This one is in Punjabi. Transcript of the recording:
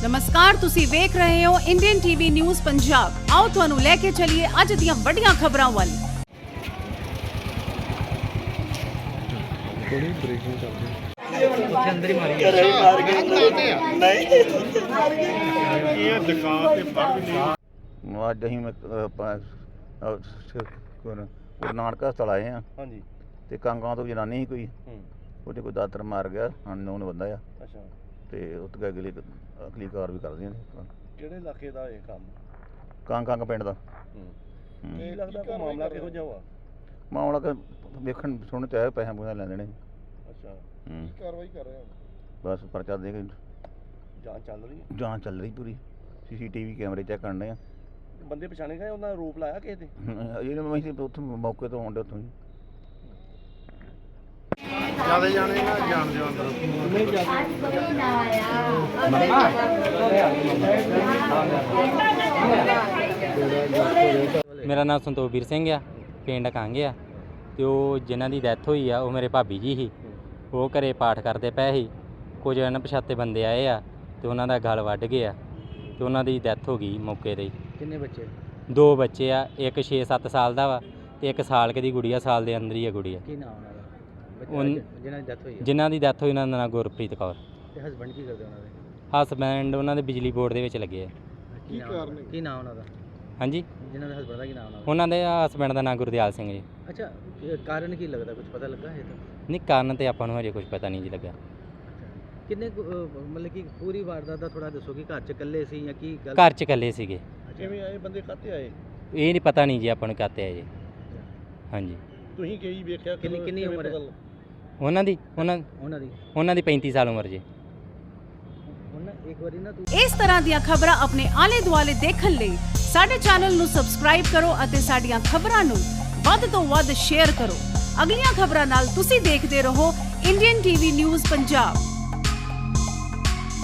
नमस्कार, तुसी वेख रहे हो इंडियन टीवी न्यूज़ पंजाब। आओ तुहानू लेके चलिए अज दियां वड्डियां खबरां वल। थोड़ी ब्रेकिंग चल रही अंदर ही मारी ਅੱਜ ਅਸੀਂ ਗੁਰੂ ਨਾਨਕ ਹਸਪਤਾਲ ਆਏ ਹਾਂ। ਹਾਂਜੀ ਤੇ ਕਾਂਗਾਂ ਤੋਂ ਜਨਾਨੀ ਸੀ ਕੋਈ, ਉਹਦੇ ਕੋਈ ਦਾਤਰ ਮਾਰ ਗਿਆ, ਅਨਨੋਨ ਬੰਦਾ ਆ। ਅੱਛਾ, ਤੇ ਉੱਥੇ ਅਗਲੀ ਕਾਰ ਵੀ ਕਰਦੀਆਂ ਨੇ। ਕਿਹੜੇ ਇਲਾਕੇ ਦਾ ਇਹ ਕੰਮ? ਕਾਂਗ ਪਿੰਡ ਦਾ। ਕੀ ਲੱਗਦਾ ਕੋਈ ਮਾਮਲਾ ਕਿਹੋ ਜਿਹਾ ਵਾ? ਮਾਮਲਾ ਕਿ ਵੇਖਣ ਸੁਣ ਤੇ ਆਇਆ, ਪੈਸੇ ਪੂਸੇ ਲੈਂਦੇ ਨੇ। ਅੱਛਾ, ਕਾਰਵਾਈ ਕਰ ਰਹੇ ਹਾਂ। ਬਸ ਪਰਚਾ ਦੇ ਕੇ ਜਾਂਚ ਚੱਲ ਰਹੀ ਹੈ। ਜਾਂਚ ਚੱਲ ਰਹੀ ਪੂਰੀ। CCTV ਕੈਮਰੇ ਚੈੱਕ ਕਰਨੇ ਆ। ਬੰਦੇ ਪਛਾਣੇ ਗਏ, ਉਹਨਾਂ ਦਾ ਰੂਪ ਲਾਇਆ ਕਿਸੇ ਤੇ? ਇਹ ਅਸੀਂ ਉੱਥੋਂ ਮੌਕੇ ਤੋਂ ਆਉਂਦੇ ਉੱਥੋਂ ਹੀ। ਜਿਆਦਾ ਜਾਣੇ ਨਾ ਜਾਣਦੇ ਹੋ ਅੰਦਰ ਨਹੀਂ ਮੇਰਾ ਨਾਮ ਸੰਤੋਖਵੀਰ ਸਿੰਘ ਆ, ਪਿੰਡ ਕਾਂਗੇ ਆ। ਤੇ ਉਹ ਜਿਨ੍ਹਾਂ ਦੀ ਡੈਥ ਹੋਈ ਆ ਉਹ ਮੇਰੇ ਭਾਬੀ ਜੀ ਸੀ। ਉਹ ਘਰੇ ਪਾਠ ਕਰਦੇ ਪਏ ਸੀ, ਕੁਝ ਅਣਪਛਾਤੇ ਬੰਦੇ ਆਏ ਆ ਤੇ ਉਹਨਾਂ ਦਾ ਗਲ ਵੱਢ ਗਿਆ ਤੇ ਉਹਨਾਂ ਦੀ ਡੈਥ ਹੋ ਗਈ ਮੌਕੇ 'ਤੇ ਹੀ। ਕਿੰਨੇ ਬੱਚੇ? 2 ਬੱਚੇ ਆ, ਇੱਕ 6-7 ਸਾਲ ਦਾ ਵਾ ਤੇ ਇੱਕ ਸਾਲ ਕੁ ਦੀ ਗੁੜੀਆ, ਸਾਲ ਦੇ ਅੰਦਰ ਹੀ ਆ ਗੁੜੀਆ। ਕੀ ਨਾਮ ਉਹਨਾਂ ਦਾ ਜਿਨ੍ਹਾਂ ਦੀ ਡੈਥ ਹੋਈ? ਜਿਨ੍ਹਾਂ ਦੀ ਡੈਥ ਹੋਈ ਉਹਨਾਂ ਦਾ ਨਾਂ ਗੁਰਪ੍ਰੀਤ ਕੌਰ। ਤੇ ਹਸਬੰਡ ਕੀ ਕਰਦੇ ਉਹਨਾਂ ਦੇ? ਹਸਬੈਂਡ ਉਹਨਾਂ ਦੇ ਬਿਜਲੀ ਬੋਰਡ ਦੇ ਵਿੱਚ ਲੱਗੇ ਆ। ਕੀ ਕਾਰਨ? ਕੀ ਨਾਮ ਉਹਨਾਂ ਦਾ? ਹਾਂਜੀ, ਜਿਨ੍ਹਾਂ ਦੇ ਹਸਬੰਡ ਦਾ ਕੀ ਨਾਮ ਉਹਨਾਂ ਦਾ? ਉਹਨਾਂ ਦੇ ਹਸਬੈਂਡ ਦਾ ਨਾਂ ਗੁਰਦਿਆਲ ਸਿੰਘ ਜੀ। ਅੱਛਾ, ਕਾਰਨ ਕੀ ਲੱਗਦਾ, ਕੁਝ ਪਤਾ ਲੱਗਾ ਹੈ ਤਾਂ? ਨਹੀਂ, ਕਾਰਨ ਤੇ ਆਪਾਂ ਨੂੰ ਹਜੇ ਕੁਝ ਪਤਾ ਨਹੀਂ ਜੀ ਲੱਗਾ। ਕਿੰਨੇ ਮਤਲਬ ਕਿ ਪੂਰੀ ਵਾਰਦਾਤ ਦਾ ਥੋੜਾ ਦੱਸੋ ਕਿ ਘਰ 'ਚ ਇਕੱਲੇ ਸੀ ਜਾਂ ਕੀ ਗੱਲ? ਘਰ 'ਚ ਇਕੱਲੇ ਸੀਗੇ। ਕਿਵੇਂ ਆਏ ਬੰਦੇ, ਕਾਹਤੇ ਆਏ? ਇਹ ਨਹੀਂ ਪਤਾ ਨਹੀਂ ਜੀ ਆਪਾਂ ਨੂੰ ਕਾਤੇ ਆ ਜੀ। ਹਾਂਜੀ, ਤੁਸੀਂ ਕੀ ਵੇਖਿਆ? ਕਿੰਨੀ ਉਮਰ ਹੈ ਉਹਨਾਂ ਦੀ? ਉਹਨਾਂ ਦੀ 35 ਸਾਲ ਉਮਰ ਜੀ। ਇੱਕ ਵਾਰੀ ਨਾ ਇਸ ਤਰ੍ਹਾਂ ਦੀਆਂ ਖਬਰਾਂ ਆਪਣੇ ਆਲੇ ਦੁਆਲੇ ਦੇਖਣ ਲਈ ਸਾਡੇ ਚੈਨਲ ਨੂੰ ਸਬਸਕ੍ਰਾਈਬ ਕਰੋ ਅਤੇ ਸਾਡੀਆਂ ਖਬਰਾਂ ਨੂੰ ਵੱਧ ਤੋਂ ਵੱਧ ਸ਼ੇਅਰ ਕਰੋ। ਅਗਲੀਆਂ ਖਬਰਾਂ ਨਾਲ ਤੁਸੀਂ ਦੇਖਦੇ ਰਹੋ ਇੰਡੀਅਨ ਟੀਵੀ ਨਿਊਜ਼ ਪੰਜਾਬ।